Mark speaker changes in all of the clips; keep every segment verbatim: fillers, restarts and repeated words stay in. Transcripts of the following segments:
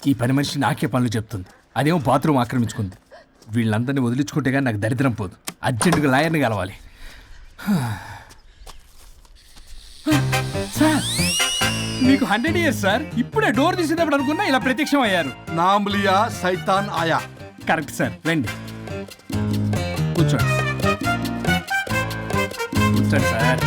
Speaker 1: ఈ పని మనిషి నాకే పనులు చెప్తుంది, అదేమో బాత్రూమ్ ఆక్రమించుకుంది. వీళ్ళందరినీ వదిలించుకుంటే కానీ నాకు దరిద్రం పోదు. అర్జెంటుగా లాయర్ని కలవాలి. సార్ మీకు హండ్రెడ్ ఇయర్స్ సార్. ఇప్పుడే డోర్ తీసేటప్పుడు అనుకున్నా ఇలా ప్రత్యక్షం అయ్యారు.
Speaker 2: నామ్ లియా సైతాన్ ఆయా.
Speaker 1: కరెక్ట్ సార్, రండి కూర్చోండి. కూర్చోండి సార్.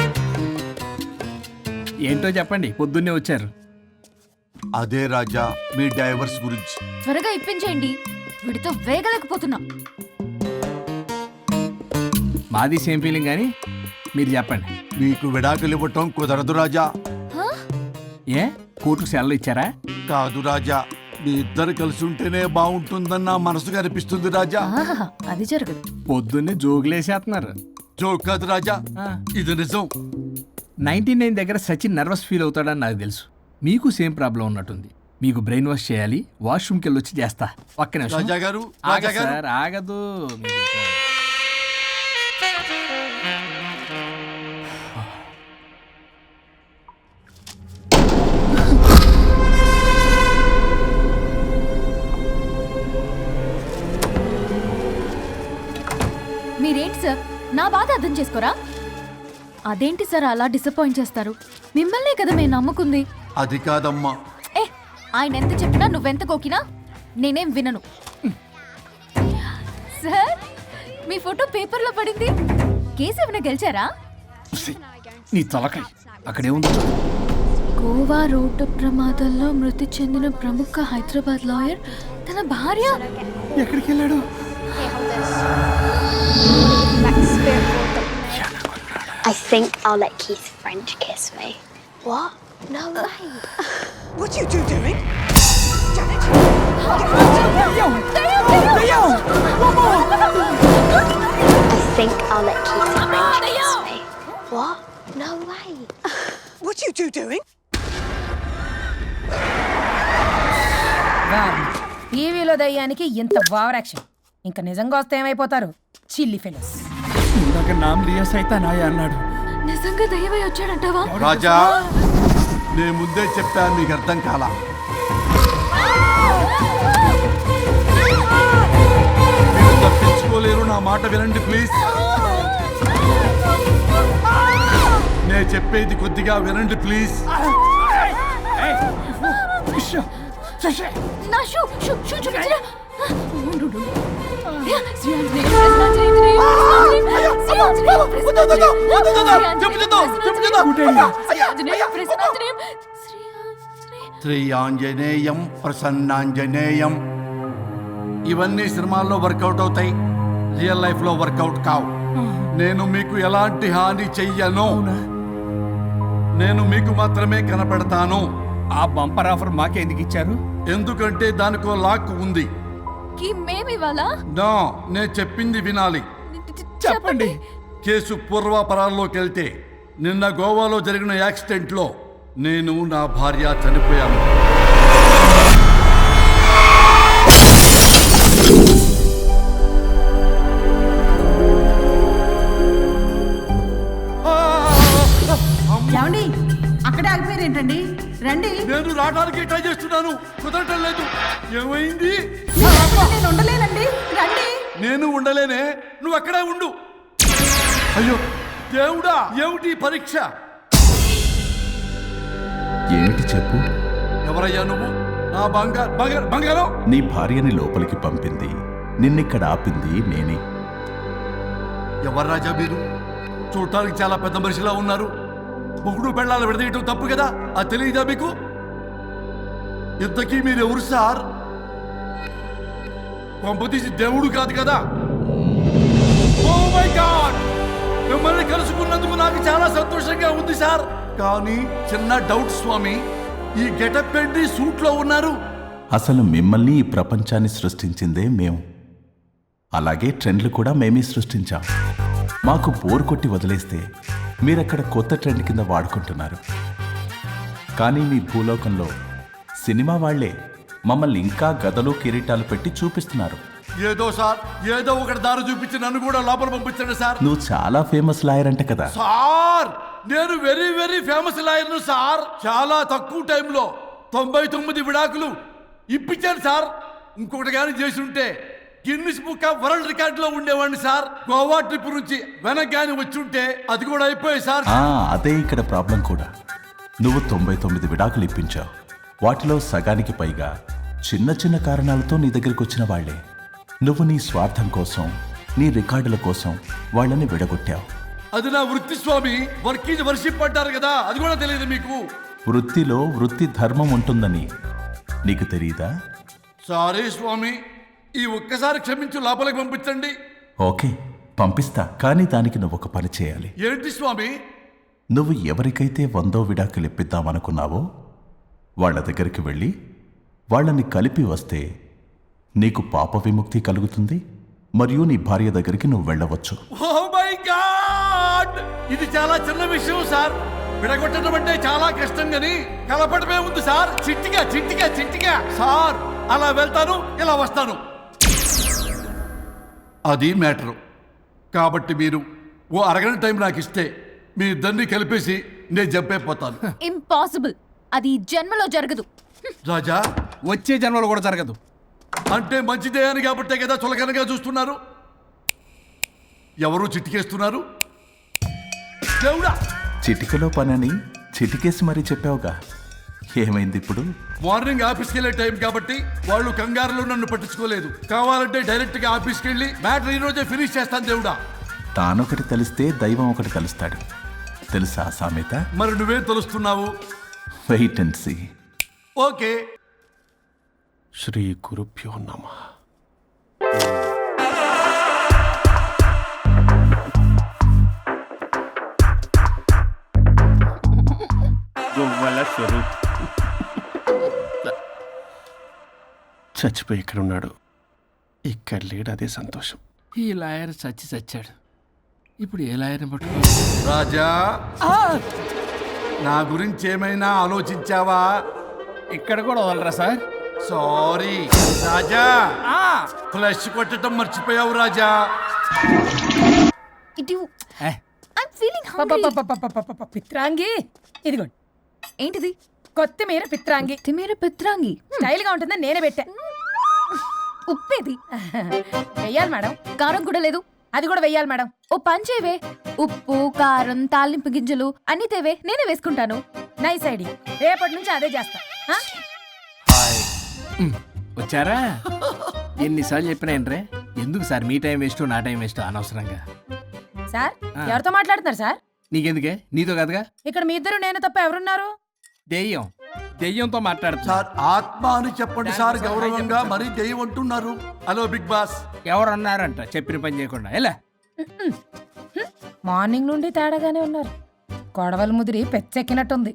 Speaker 1: ఏంటో చెప్పండి, పొద్దున్నే వచ్చారు.
Speaker 2: అదే రాజా మీ డైవర్స్ గురించి.
Speaker 3: త్వరగా ఇప్పించేయండి, వీడితో వేగలేకపోతున్నా.
Speaker 1: మాది సేమ్ ఫీలింగ్ కానీ మీరు చెప్పండి.
Speaker 2: మీకు విడాకులు ఇవ్వటం కుదరదు రాజా.
Speaker 3: హా?
Speaker 1: ఏ కోర్టుకు సెలవు ఇచ్చారా?
Speaker 2: కాదు రాజా, మీ ఇద్దరు కలిసి ఉంటేనే బాగుంటుందన్న మనసుకు అనిపిస్తుంది రాజా.
Speaker 3: ఆహాహా, అది జరగదు.
Speaker 1: పొద్దున్నే జోగులేసేస్తున్నారు.
Speaker 2: జోక్ కాదు రాజా, ఇది నిజం.
Speaker 1: నైన్టీ నైన్ దగ్గర సచిన్ నర్వస్ ఫీల్ అవుతాడని నాకు తెలుసు. మీకు సేమ్ ప్రాబ్లం ఉన్నట్టుంది. మీకు బ్రెయిన్ వాష్ చేయాలి. వాష్రూమ్కి వెళ్ళి వచ్చి చేస్తా. ఒక్క నిమిషం.
Speaker 2: రాజా గారు,
Speaker 1: ఆగదు
Speaker 2: రాజా గారు.
Speaker 1: సార్, ఆగదు. మీరు ఇంకా-
Speaker 3: మీరేంటి సార్ నా బాధ అర్థం చేసుకోరా? అదేంటి సార్ అలా డిసప్పాయింట్ చేస్తారు? మిమ్మల్నే కదా మేము నమ్ముకుంది.
Speaker 2: అది కాదమ్మా.
Speaker 3: ఏ ఆయన ఎంత చెప్పినా నువ్వెంత కోకినా నేనేం వినను. సార్ మీ ఫోటో పేపర్లో పడింది. కేసు ఏమైనా గెలిచారా?
Speaker 1: నీ తలకాయ అక్కడే ఉంది.
Speaker 3: గోవా రోడ్డు ప్రమాదంలో మృతి చెందిన ప్రముఖ హైదరాబాద్ లాయర్ తన భార్య
Speaker 1: ఎక్కడికి వెళ్ళాడు?
Speaker 4: I think I'll let Keith French kiss me. What? No way.
Speaker 5: What are you two doing? Janet!
Speaker 4: I think I'll let Keith French kiss me. What? No way.
Speaker 5: What are you two doing?
Speaker 6: టీవీలో దయ్యానికి ఇంత over action. ఇంకా నిజంగా వస్తే ఏమైపోతారు? చిల్లి fellows.
Speaker 1: ఇందాక నామ్ లియా సైతాన్ ఆయా అన్నాడు.
Speaker 3: నిజంగా దయ్యమై వచ్చాడంటావా?
Speaker 2: రాజా నేను ముందే చెప్పాను, మీకు అర్థం కాలా. మీరు తప్పించుకోలేరు, నా మాట వినండి ప్లీజ్. నేను చెప్పేది కొద్దిగా వినండి ప్లీజ్.
Speaker 3: నా షూ షూ షూ చూపించరా? శ్రీ ఆంజనేయ ప్రసన్నాంజనేయ శ్రీ ఆంజనేయ ప్రసన్నాంజనేయ శ్రీ ఆంజనేయ ప్రసన్నాంజనేయ శ్రీ ఆంజనేయ.
Speaker 2: శ్రీ ఆంజనేయం ప్రసన్నాంజనేయం. ఇవన్నీ సినిమాల్లో వర్కౌట్ అవుతాయి, రియల్ లైఫ్ లో వర్కౌట్ కావు. నేను మీకు ఎలాంటి హాని చెయ్యను. నేను మీకు మాత్రమే కనపడతాను.
Speaker 1: ఆ బంపర్ ఆఫర్ మాకే ఎందుకు ఇచ్చారు?
Speaker 2: ఎందుకంటే దానికో లాక్ ఉంది.
Speaker 3: కి మేమివాలా?
Speaker 2: నా నేను చెప్పింది వినాలి.
Speaker 3: చెప్పండి.
Speaker 2: కేసు పూర్వాపరాల్లోకి వెళ్తే నిన్న గోవాలో జరిగిన యాక్సిడెంట్ లో నేను నా భార్య చనిపోయాను.
Speaker 6: ఏమండి అక్కడే ఆగిపోయారు ఏంటండి? రండి.
Speaker 2: నేను రావడానికి ట్రై చేస్తున్నాను, కుదరటం లేదు. ఏమైంది?
Speaker 6: నేను ఉండలేనండి, రండి.
Speaker 2: నేను ఉండలేనే, నువ్వు అక్కడే ఉండు. అయ్యో దేవుడా, ఏమిటి ఈ పరీక్ష?
Speaker 7: ఏమిటి చెప్పు.
Speaker 2: ఎవరయ్యా నువ్వు? నా బంగారు బంగారు బంగారం.
Speaker 7: నీ భార్యని లోపలికి పంపింది, నిన్నిక్కడ ఆపింది నేనే.
Speaker 2: ఎవరు రాజా మీరు? చూడటానికి చాలా పెద్ద మనిషిలా ఉన్నారు. మొగుడు పెళ్ళాలు విడదీయటం తప్పు కదా, అది తెలియదా మీకు? ఇంతకీ మీరు ఎవరు సార్? పంపతీసి దేవుడు కాదు కదా? ఓ మై గాడ్, మిమ్మల్ని కలుసుకున్నందుకు నాకు చాలా సంతోషంగా ఉంది సార్. కానీ చిన్న డౌట్ స్వామి, ఈ గెటప్ ఏంటి సూట్ లో ఉన్నారు?
Speaker 7: అసలు మిమ్మల్ని ఈ ప్రపంచాన్ని సృష్టించిందే మేము. అలాగే ట్రెండ్లు కూడా మేమే సృష్టించాం. మాకు బోర్ కొట్టి వదిలేస్తే మీరక్కడ కొత్త ట్రెండ్ కింద వాడుకుంటున్నారు. కానీ మీ భూలోకంలో సినిమా వాళ్లే మమ్మల్ని ఇంకా గదలు కిరీటాలు పెట్టి చూపిస్తున్నారు.
Speaker 2: ఏదో సార్, ఏదో ఒకటి దారి చూపించి నన్ను కూడా లోపల పంపించండి సార్.
Speaker 7: నువ్వు చాలా ఫేమస్ లాయర్ అంట కదా?
Speaker 2: సార్ నేను వెరీ వెరీ ఫేమస్ లాయర్ను సార్. చాలా తక్కువ టైంలో తొంభై తొమ్మిది విడాకులు ఇప్పించాను సార్. ఇంకొకటి కానీ చేసి ఉంటే గిన్నిస్ బుక్ ఆఫ్ వరల్డ్ రికార్డులో ఉండేవాడిని సార్. గోవా ట్రిప్ నుంచి వెనక్ కానీ వచ్చి ఉంటే అది కూడా అయిపోయాయి సార్.
Speaker 7: ఆ, అదే ఇక్కడ ప్రాబ్లం కూడా. నువ్వు తొంభై తొమ్మిది విడాకులు ఇప్పించావు. వాటిలో సగానికి పైగా చిన్న చిన్న కారణాలతో నీ దగ్గరికి వచ్చిన వాళ్లే. నువ్వు నీ స్వార్థం కోసం, నీ రికార్డుల కోసం వాళ్ళని విడగొట్టావు.
Speaker 2: అది నా వృత్తి స్వామి. వర్క్ ఈజ్ వర్షిప్ అంటారు కదా, అది కూడా తెలియదు మీకు.
Speaker 7: వృత్తిలో వృత్తి ధర్మం ఉంటుందని నీకు తెలియదా?
Speaker 2: సారీ స్వామి, ఈ ఒక్కసారి క్షమించు, లోపలికి పంపించండి.
Speaker 7: ఓకే, పంపిస్తా. కానీ దానికి నువ్వు ఒక పని చేయాలి.
Speaker 2: ఏంటి స్వామి?
Speaker 7: నువ్వు ఎవరికైతే వందో విడాకులు ఇప్పిద్దామనుకున్నావో వాళ్ళ దగ్గరికి వెళ్ళి వాళ్ళని కలిపి వస్తే నీకు పాప విముక్తి కలుగుతుంది, మరియు నీ భార్య దగ్గరికి నువ్వు వెళ్ళవచ్చు.
Speaker 2: ఓ మై గాడ్, ఇది చాలా చిన్న విషయం సార్. విడగొట్టడం అంటే చాలా కష్టం గని కలపడమే ఉంది సార్. చిట్టిగా చిట్టిగా చిట్టిగా సార్. అలా వెళ్తాను, ఇలా వస్తాను. అది మ్యాటరు. కాబట్టి మీరు ఓ అరగంట టైం నాకు ఇస్తే మీ ఇద్దరిని కలిపేసి నేను జంపైపోతాను.
Speaker 3: ఇంపాసిబుల్. అది ఈ జన్మలో జరగదు.
Speaker 2: రాజా,
Speaker 1: వచ్చే జన్మలో కూడా జరగదు.
Speaker 2: అంటే మంచిదే అని కాబట్టే కదా చులకనగా చూస్తున్నారు. ఎవరు చిట్టికేస్తున్నారు? దేవుడా,
Speaker 7: చిటికలో పనని చిటికేసి మరీ చెప్పావుగా, ఏమైంది ఇప్పుడు?
Speaker 2: మార్నింగ్ ఆఫీస్కి వెళ్ళే టైం కాబట్టి వాళ్ళు కంగారులో నన్ను పట్టించుకోలేదు. కావాలంటే డైరెక్ట్ గా ఆఫీస్కి వెళ్ళి మ్యాటర్ ఈ రోజే ఫినిష్ చేస్తాను. దేవుడా,
Speaker 7: తానొకటి తెలిస్తే దైవం ఒకటి కలుస్తాడు, తెలుసా సామెత?
Speaker 2: మరి నువ్వేం తెలుస్తున్నావు?
Speaker 7: Wait and see.
Speaker 2: ఓకే.
Speaker 8: శ్రీ గురుభ్యో నమః. గొవ్వల స్వరూప్ చచ్చిపోయి ఇక్కడ ఉన్నాడు. ఇక్కడ లేడు, అదే సంతోషం.
Speaker 1: ఈ లాయర్ చచ్చి చచ్చాడు. ఇప్పుడు ఏ లాయర్ని పట్టుకో?
Speaker 2: రాజా, నా గురించి ఏమైనా ఆలోచించావా?
Speaker 1: ఇక్కడ కూడా వదలరా సార్?
Speaker 2: సారీ రాజా, ఫ్లష్ కొట్టడం మర్చిపోయావు రాజా.
Speaker 3: ఇటు
Speaker 1: ఏ,
Speaker 3: ఐమ్ ఫీలింగ్ హంగ్రీ.
Speaker 6: పపపపపపపప, పిత్రాంగి ఇదిగోండి.
Speaker 3: ఏంటిది?
Speaker 6: కొత్తిమీర పిత్రాంగి.
Speaker 3: తిమేర పిత్రాంగి.
Speaker 6: స్టైల్ గా ఉంటుందని నేనే పెట్టా.
Speaker 3: ఉప్పేది?
Speaker 6: వెయ్యాలి మేడం.
Speaker 3: కారం కూడా లేదు.
Speaker 6: అది కూడా వెయ్యాలి మేడం.
Speaker 3: ఓ పంచేవే. ఉప్పు, కారం, తాలింపు గింజలు అన్ని తేవే, నేనే వేసుకుంటాను.
Speaker 6: Nice idea. రేపటి నుంచి అదే చేస్తా. ఆ?
Speaker 1: ఉమ్, వచ్చారా? ఎన్నిసార్లు చెప్పినా ఏంట్రే? ఎందుకు సార్ మీ టైం వేస్ట్, నా టైం వేస్ట్ అనవసరంగా?
Speaker 6: సార్, ఎవరితో మాట్లాడుతున్నారు సార్?
Speaker 1: నీకెందుకే? నీతో కదగా.
Speaker 6: ఇక్కడ మీ ఇద్దరు నేను తప్ప ఎవరున్నారు?
Speaker 1: దెయ్యం. దెయ్యంతో మాట్లాడుతున్నా.
Speaker 2: సార్, ఆత్మ అని చెప్పండి సార్, గౌరవంగా. మరీ దెయ్యం అంటున్నారు. Hello big boss.
Speaker 1: ఎవరు అన్నారంట చెప్పిన పని చేయకుండా? ఎలా?
Speaker 6: మార్నింగ్ నుండి తేడాగానే ఉన్నారు. గొడవల ముదిరి పెచ్చెక్కినట్టుంది.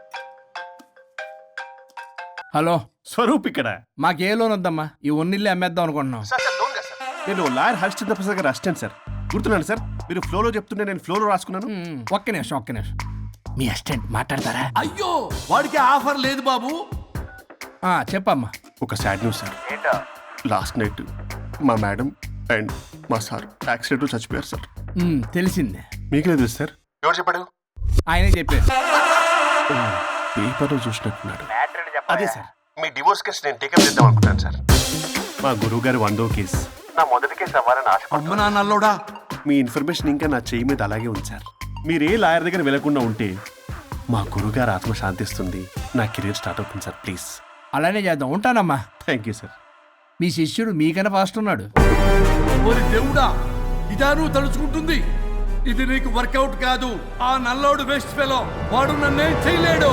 Speaker 1: హలో,
Speaker 8: స్వరూప్ ఇక్కడ.
Speaker 1: మాకే లోన్ వద్దమ్మా. ఈ ఒన్నిల్లే అమ్మేద్దాం అనుకుంటున్నాం.
Speaker 8: నేను లాయర్ హరిశ్చంద్ర ప్రసాద్ గారు అసిస్టెంట్ సార్. గుర్తున్నాను సార్, మీరు ఫ్లోలో చెప్తుంటే నేను ఫ్లోలో రాసుకున్నాను.
Speaker 1: ఉమ్, ఒక్క నిమిషం ఒక్క నిమిషం. మీ అసిస్టెంట్ మాట్లాడతారా?
Speaker 2: అయ్యో, వాడికి ఆఫర్ లేదు బాబు.
Speaker 1: ఆ, చెప్పమ్మా.
Speaker 8: ఒక sad news sir. Last night మా మేడం అండ్ మా సార్ యాక్సిడెంట్ చచ్చిపోయారు సార్.
Speaker 1: ఉమ్, తెలిసిందే.
Speaker 8: మీకే తెలుసు సార్. ఎవరు చెప్పాడు?
Speaker 1: ఆయనే చెప్పారు.
Speaker 8: పేపర్లో చూసినట్టున్నాడు. అదే సార్, మీ డివోర్స్ కేసు నేను టేకప్ చేద్దాం అనుకుంటాను సార్. మా గురువు గారి వందో కేసు నా మొదటి కేసు అవ్వాలని ఆశ.
Speaker 2: అమ్మ నా నల్లోడా,
Speaker 8: మీ ఇన్ఫర్మేషన్ ఇంకా నా చెయ్యి మీద అలాగే ఉంచారు. మీరు ఏ లాయర్ దగ్గర వెళ్లకుండా ఉంటే మా గురుగారు ఆత్మ శాంతిస్తుంది, నా కెరీర్ స్టార్ట్ అవుతుంది సార్. ప్లీజ్
Speaker 1: అలానే చేద్దాం. ఉంటానమ్మా.
Speaker 8: Thank you sir.
Speaker 1: మీ శిష్యుడు మీకన్నా ఫాస్ట్ ఉన్నాడు.
Speaker 2: ఓరి దేవుడా, ఇదా నువ్వు తలుచుకుంటుంది? ఇది నీకు వర్కౌట్ కాదు. ఆ నల్లోడు వేస్ట్ ఫెలో, వాడు నన్నేం చేయలేడు.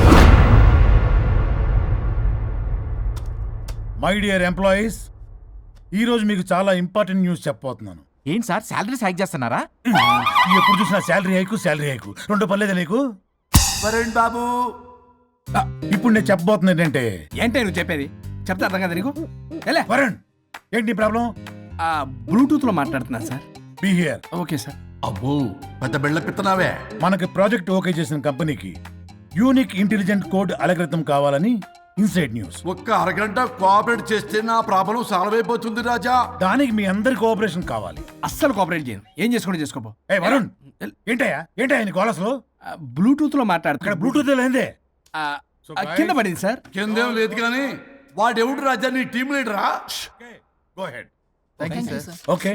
Speaker 9: మై డియర్ ఎంప్లాయీస్, ఈరోజు మీకు చాలా ఇంపార్టెంట్ న్యూస్ చెప్పబోతున్నాను.
Speaker 10: ఏంటి సార్, శాలరీస్ హైక్ చేస్తున్నారా?
Speaker 9: ఎప్పుడు చూసినా శాలరీ హైకు శాలరీ హైకు రెండు పర్లేదా నీకు?
Speaker 2: వరుణ్ బాబు,
Speaker 9: ఆ, ఇప్పుడు నేను చెప్పబోతున్నా ఏంటంటే,
Speaker 1: ఏంటే నువ్వు చెప్పేది? చెప్తా అర్థం కదా నీకు? ఎలా?
Speaker 9: వరుణ్, ఏంటి నీ ప్రాబ్లం?
Speaker 1: ఆ, బ్లూటూత్ లో మాట్లాడుతున్నా sir.
Speaker 9: Be here.
Speaker 1: Okay sir.
Speaker 2: అబ్బో, పెద్ద బిళ్ళ పిత్తనావే.
Speaker 9: మనకి ప్రాజెక్ట్ ఓకే చేసిన కంపెనీకి యూనిక్ ఇంటెలిజెంట్ కోడ్ అలకృతం కావాలని ఇన్సైడ్ న్యూస్.
Speaker 2: ఒక్క అరగంట కోఆపరేట్ చేస్తే నా ప్రాబ్లం సాల్వ్ అయిపోతుంది రాజా.
Speaker 9: దానికి మీ అందరి కోఆపరేషన్ కావాలి.
Speaker 1: అస్సలు కోఆపరేట్ చేయను. ఏం చేసుకోండి చేసుకోపో.
Speaker 9: ఏ వరుణ్, ఏంటయ్యా ఏంటయ్యా నీ గోలస్లో?
Speaker 1: బ్లూటూత్ లో
Speaker 9: ఇక్కడ
Speaker 1: మాట్లాడుతున్నా.
Speaker 9: బ్లూటూత్ లేదే.
Speaker 1: ఆ, ఆ, కింద పడింది సార్.
Speaker 2: కిందేం లేదు కానీ వాడెవడు రాజా నీ టీం లీడరా?
Speaker 8: Go ahead.
Speaker 9: ఓకే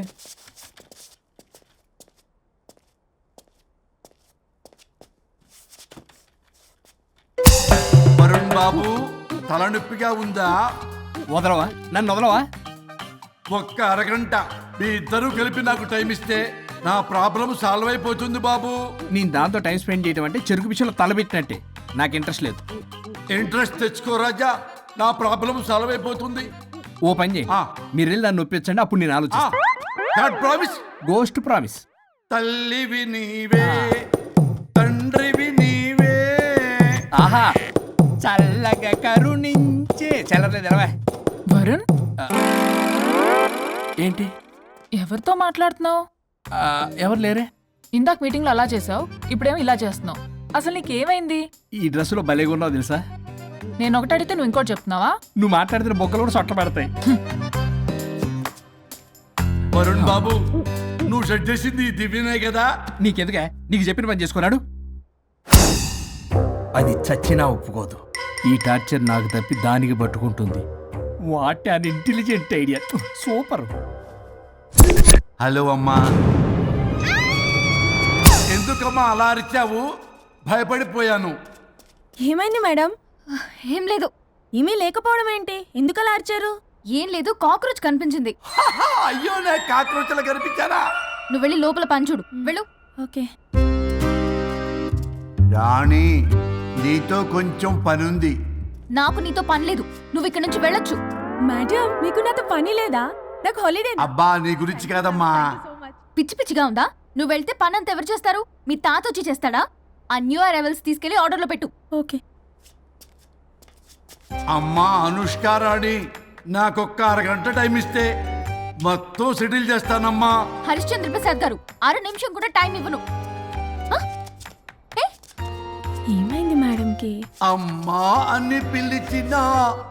Speaker 2: వరుణ్ బాబు తలనొప్పిగా ఉందా?
Speaker 1: వదలవా నన్ను వదలవా?
Speaker 2: ఒక్క అరగంట మీ ఇద్దరు కలిపి నాకు టైం ఇస్తే నా ప్రాబ్లం సాల్వ్ అయిపోతుంది బాబు.
Speaker 1: నేను దాంతో టైం స్పెండ్ చేయడం అంటే చెరుకు విషయంలో తలబెట్టినట్టే. నాకు ఇంట్రెస్ట్ లేదు.
Speaker 2: ఇంట్రెస్ట్ తెచ్చుకో రాజా, నా ప్రాబ్లం సాల్వ్ అయిపోతుంది.
Speaker 1: ఓ పని చేయి,
Speaker 2: ఆ.
Speaker 1: మీరు వెళ్ళి నన్ను ఒప్పించండి, అప్పుడు నేను ఆలోచిస్తాను.
Speaker 2: ప్రామిస్.
Speaker 1: Ghost promise.
Speaker 2: తల్లివి నీవే, తండ్రివి నీవే.
Speaker 1: ఆహా, చల్లగా కరుణించే చల్లలేదు ఎలవా.
Speaker 11: వరుణ్,
Speaker 1: ఏంటి?
Speaker 11: ఎవరితో మాట్లాడుతున్నావు?
Speaker 1: ఆ, ఎవరు లేరే?
Speaker 11: ఇందాక మీటింగ్లో అలా చేసావు, ఇప్పుడేమో ఇలా చేస్తున్నావు. అసలు నీకేమైంది?
Speaker 1: ఈ డ్రెస్సులో భలేగా ఉన్నావు తెలుసా?
Speaker 11: నేను ఒకటి అడిగితే నువ్వు ఇంకోటి చెప్తున్నావా?
Speaker 1: నువ్వు మాట్లాడితే బొక్కలు కూడా సొట్ట పడతాయి.
Speaker 2: వరుణ్ బాబు, నువ్వు సెట్ చేసింది ఈ దివ్యనే కదా?
Speaker 1: నీకెందుకే? నీకు చెప్పిన పని చేసుకున్నాడు. అది చచ్చినా ఒప్పుకోదు. ఈ టార్చర్ నాకు తప్పి దానికి పట్టుకుంటుంది. What an intelligent idea. Super.
Speaker 2: Hello అమ్మా. ఎందుకమ్మా అలా అరిచావు? భయపడిపోయాను.
Speaker 3: ఏమైంది మేడం? ఏం లేదు. ఏమీ లేకపోవడం ఏంటి? ఎందుకు అలా అరిచారు? ఏం లేదు, కాక్రోచ్ కనిపించింది.
Speaker 2: అయ్యో, నా కాక్రోచ్లు కనిపించారా?
Speaker 3: నువ్వు వెళ్ళి లోపల పని చూడు. వెళ్ళు. ఓకే.
Speaker 2: రాణి, నీతో కొంచెం పనుంది.
Speaker 3: నాకు నీతో పని లేదు. నువ్వు ఇక్కడ నుంచి వెళ్ళొచ్చు. మేడం, మీకు నాతో పని లేదా? నాకు హాలిడే.
Speaker 2: అబ్బా, నీ గురించి కాదమ్మా.
Speaker 3: పిచ్చి పిచ్చిగా ఉందా? నువ్వు వెళ్తే పని అంతా ఎవరు చేస్తారు? మీ తాత వచ్చి చేస్తాడా? ఆ న్యూ అరైవల్స్ తీసుకెళ్లి ఆర్డర్లో పెట్టు. ఓకే.
Speaker 2: అమ్మా అనుష్క రాణి, నాకొక్క అరగంట టైం ఇస్తే మొత్తం సెటిల్ చేస్తానమ్మా.
Speaker 3: హరిశ్చంద్ర ప్రసాద్ గారు, అర నిమిషం కూడా టైం ఇవ్వను. ఏమైంది మేడంకి?
Speaker 2: అమ్మా అని పిలిచినా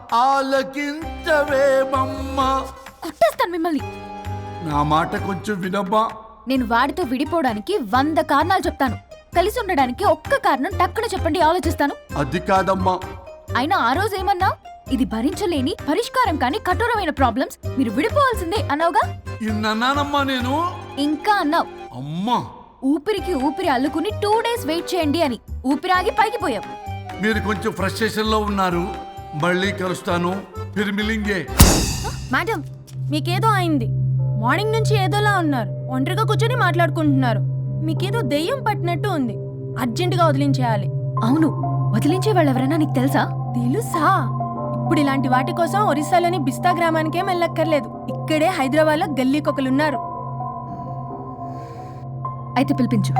Speaker 2: ఆలకించవేమమ్మా.
Speaker 3: కుట్టేస్తాను మిమ్మల్ని.
Speaker 2: నా మాట కొంచెం వినమ్మా.
Speaker 3: నేను వాడితో విడిపోవడానికి వంద కారణాలు చెప్తాను. కలిసి ఉండడానికి ఒక్క కారణం టక్కున చెప్పండి, ఆలోచిస్తాను.
Speaker 2: అది కాదమ్మా.
Speaker 3: అయినా ఆ రోజు ఏమన్నా? ఇది భరించలేని పరిష్కారం కాని కఠోరమైన ప్రాబ్లమ్స్, మీరు విడిపోవాల్సిందే అన్నావుగా.
Speaker 2: ఇన్నానమ్మా నేను.
Speaker 3: ఇంకా అన్నావు.
Speaker 2: అమ్మా,
Speaker 3: ఊపిరికి ఊపిరి అల్లుకుని టూ డేస్ వెయిట్ చేయండి అని. ఊపిరాగి పైకి పోయావు.
Speaker 2: మీరు కొంచెం ఫ్రస్ట్రేషన్ లో ఉన్నారు. మళ్ళీ కలుస్తాను. ఫిర్మిలింగే.
Speaker 3: మేడం, మీకేదో అయింది. మార్నింగ్ నుంచి ఏదోలా ఉన్నారు. ఒంటరిగా కూర్చొని మాట్లాడుకుంటున్నారు. మీకేదో దెయ్యం పట్టినట్టు ఉంది. అర్జెంటుగా వదిలించేయాలి. అవును, వదిలించే వాళ్ళు ఎవరైనా నీకు తెలుసా? తెలుసా? ఇప్పుడు ఇలాంటి వాటి కోసం ఒరిస్సాలోని బిస్తా గ్రామానికేం వెళ్ళక్కర్లేదు. ఇక్కడే హైదరాబాద్ లో గల్లీకొకలున్నారు. అయితే పిలిపించు.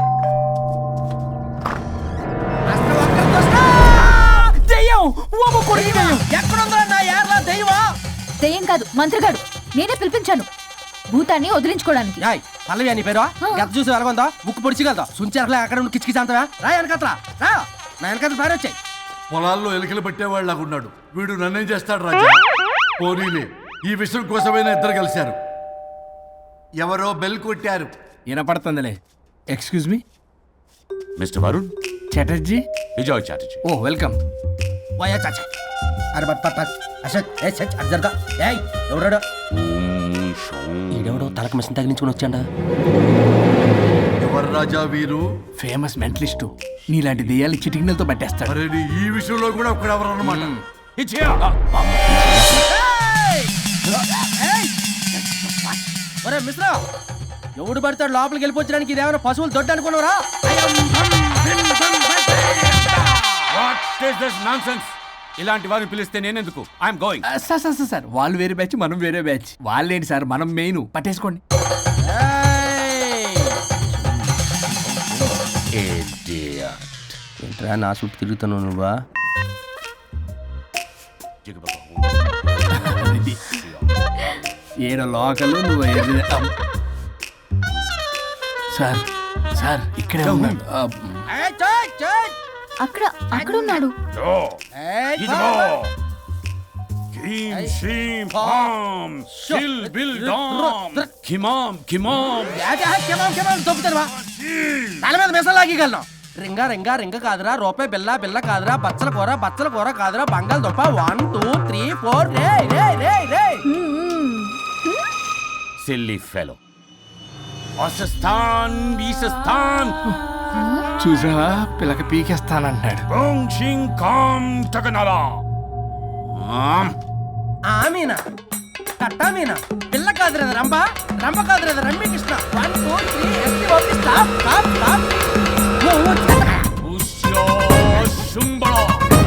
Speaker 3: దెయ్యం కాదు, మంత్రిగాడు. నేనే పిలిపించాను భూతాన్ని వదిలించుకోవడానికి.
Speaker 10: పల్లవి అని పేరు గత చూసి వెలగొందా ముక్కు పొడిచిగలదా సుంచరలే అక్కడ ఉండి కిచకిచ అంతవా రా వెనకత్రా రా నా వెనకత్ర పేరు వచ్చాయి.
Speaker 2: పొలాల్లో ఎలికలు పట్టేవాళ్ళగా ఉన్నాడు వీడు. నన్నేం చేస్తాడు రాజా? పోనీలే, ఈ విషయం కోసమైనా ఇద్దరు కలిశారు. ఎవరో బెల్ కొట్టారు.
Speaker 1: వినపడుతుందిలే. Excuse me
Speaker 7: mister Varun
Speaker 1: Chatterjee.
Speaker 7: Vijay Chatterjee.
Speaker 1: Oh welcome.
Speaker 10: వయా చాచా అరే బట్ పట్ పట్ అసత్ ఏ సచ్ అర్జర్దా ఏయ్ ఎవరడా ఈడెవడో తలకు మిషన్ తగిలించుకుని వచ్చాడా?
Speaker 2: ఎవరు రాజా వీరు?
Speaker 1: Famous mentalist. నీలాంటి దెయ్యాలు చిటికినలతో పట్టేస్తాడు.
Speaker 2: అరే నీ ఈ విషయంలో కూడా ఒకడెవరు అన్నమాట.
Speaker 10: ఒరే మిశ్రా, ఎవడు పడతాడు లోపలికి వెళ్ళిపోవడానికి? ఇదేమైనా పశువులు దొడ్డు అనుకున్నారా?
Speaker 12: ఇలాంటి వారిని పిలిస్తే నేనెందుకు? I'm going.
Speaker 1: Sir sir sir, sir వాళ్ళు వేరే బ్యాచ్, మనం వేరే బ్యాచ్. వాళ్ళేంటి సార్, మనం మెయిన్. పట్టేసుకోండి.
Speaker 10: ఏంట్రా నా చుట్టూ తిరుగుతున్నావు నువ్వా?
Speaker 1: ఏడ లోకల్ నువ్వు ఏది- సార్ సార్ ఇక్కడే ఉన్నాడు.
Speaker 3: అక్కడ అక్కడ ఉన్నాడు.
Speaker 10: తల మీద మిసం లాగగలను. రింగా రింగా రింగ కాదురా రూపాయి బిల్ల బిల్ల కాదురా బచ్చల కూర బచ్చల కూర కాదురా బంగాళదుంప వన్ టూ త్రీ ఫోర్ రే రే రే రే
Speaker 12: సిల్లీ ఫెలో ఆసస్థాన్ బీసస్థాన్
Speaker 1: చూసా పిల్లకి పీకేస్తానంటున్నాడు.
Speaker 12: ఓం షిం కాం తగనలా
Speaker 10: ఆమీనా కట్టా మీనా పిల్ల కాదురా రంభ రంభ కాదురా రమ్మి Krishna one two three S T O P stop stop stop
Speaker 12: ఉష్యో శుంబళ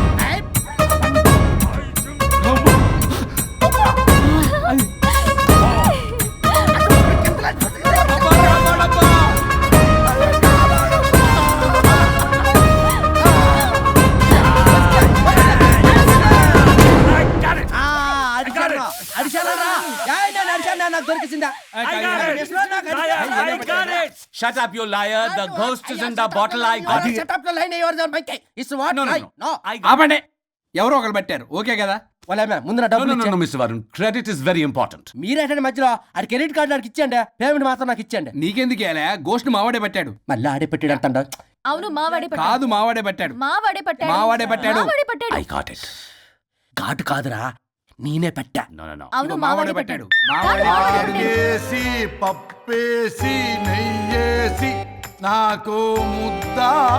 Speaker 12: Shut up, you liar. The ghost is in the bottle. I got it.
Speaker 10: Shut up the line yours on my case. It's what?
Speaker 12: No, no, no.
Speaker 10: No.
Speaker 12: I got
Speaker 1: ఆపండి. ఎవరో ఒకరు పెట్టారు okay కదా.
Speaker 10: వాళ్ళ ముందు నా
Speaker 12: No,
Speaker 10: డబ్బులు
Speaker 12: no, no,
Speaker 10: ఇచ్చే
Speaker 12: no, Mister Varun. Credit is very important.
Speaker 10: మీరేంటంటే మధ్యలో ఆడి క్రెడిట్ కార్డు ఆడికి ఇచ్చేయండి పేమెంట్ మాత్రం నాకు ఇచ్చేయండి
Speaker 1: నీకెందుకు ఇలా గోస్ట్ మావాడే పెట్టాడు.
Speaker 10: మళ్ళీ ఆడే పెట్టాడు అంటాడు
Speaker 3: అవును మావాడే
Speaker 1: కాదు మావాడే పెట్టాడు.
Speaker 3: మావాడే పట్టాడు
Speaker 1: మావాడే పట్టాడు.
Speaker 3: మావాడే పట్టాడు
Speaker 12: I got it.
Speaker 10: ఘాటు కాదురా నేనే పెట్టా
Speaker 12: No, no, no.
Speaker 3: అవును
Speaker 1: మావాడే
Speaker 3: మావాడే
Speaker 1: పెట్టాడు.
Speaker 3: పట్టాడు
Speaker 2: ఆడికేసి పప్పేసి నెయ్యేసి నాకు ముద్ద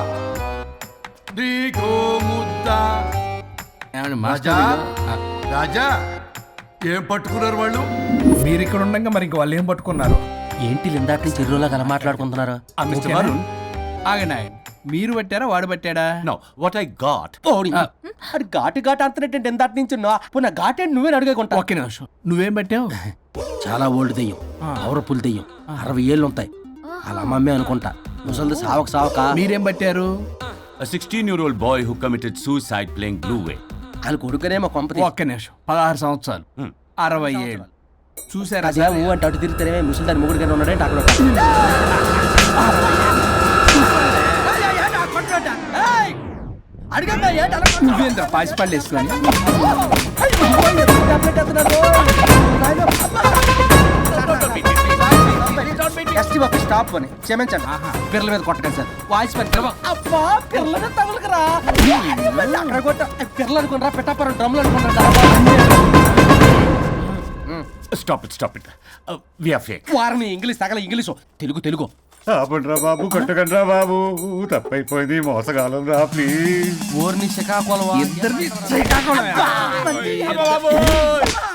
Speaker 2: నీకో ముద్ద.
Speaker 1: ఏమండి
Speaker 2: రాజా
Speaker 1: మాస్టర్
Speaker 2: రాజా ఏం పట్టుకున్నారు వాళ్ళు?
Speaker 1: మీరు ఇక్కడ ఉండగా మరి ఇంక వాళ్ళు ఏం పట్టుకున్నారు?
Speaker 10: ఏంటి ఇందాక నుంచి చెరువులా కల మాట్లాడుకుంటున్నారు
Speaker 12: Uh, Mister
Speaker 1: ఓకేనా?
Speaker 12: Varun.
Speaker 1: ఆగండి ఆగండి. మీరు పట్టారా వాడు పట్టాడా?
Speaker 12: No, what I got.
Speaker 10: పోనీ. అది ఘాటు ఘాటు అంతనేంటి ఎందాటి నుంచి నా ఘాటు ఏంటి నువ్వే అడుగుకుంటా
Speaker 1: ఒక్క నిమిషం నువ్వేం పట్టావు?
Speaker 10: చాలా ఓల్డ్ దెయ్యం పవర్ఫుల్ దెయ్యం అరవై ఏళ్ళు ఉంటాయి అలా అమ్మమ్మే అనుకుంటా ముసలిది సావక సావక
Speaker 1: మీరేం పట్టారు?
Speaker 12: A sixteen-year-old boy who committed suicide playing Blue Whale.
Speaker 10: వాళ్ళ కొడుకునేమో కొంపతి
Speaker 1: ఒక్క నిమిషం పదహారు సంవత్సరాలు
Speaker 12: Hmm.
Speaker 1: అరవై ఏళ్ళు చూసారా?
Speaker 10: అదే ఊ అంటే అటు తిరిగితేనే ముసలి దాని ముగ్గురు ఉన్నాడంటే అక్కడ అడిగా
Speaker 1: నువ్వేంద్ర పాసిపళ్ళు వేసుకొని
Speaker 10: స్టాప్ అని క్షమించండి పిల్లల మీద కొట్టకండి సార్ వాయిస్ అబ్బా పిల్లల మీద తగులుకురా అక్కడ కొట్ట పిల్లలు అనుకున్నారా పెట్టాపరం డ్రమ్లు అనుకున్నారా
Speaker 12: Stop it, stop it. Uh, we are fake.
Speaker 10: వారిని ఇంగ్లీష్ తగల ఇంగ్లీషు తెలుగు తెలుగు
Speaker 2: ఆపండ్రా బాబు కొట్టకండ్రా బాబు తప్పైపోయింది మోసగాలం రా ప్లీజ్.
Speaker 10: ఊరిని శ్రీకాకుళం
Speaker 1: ఇద్దరిని శ్రీకాకుళమే.
Speaker 12: అబ్బా, బాబోయ్!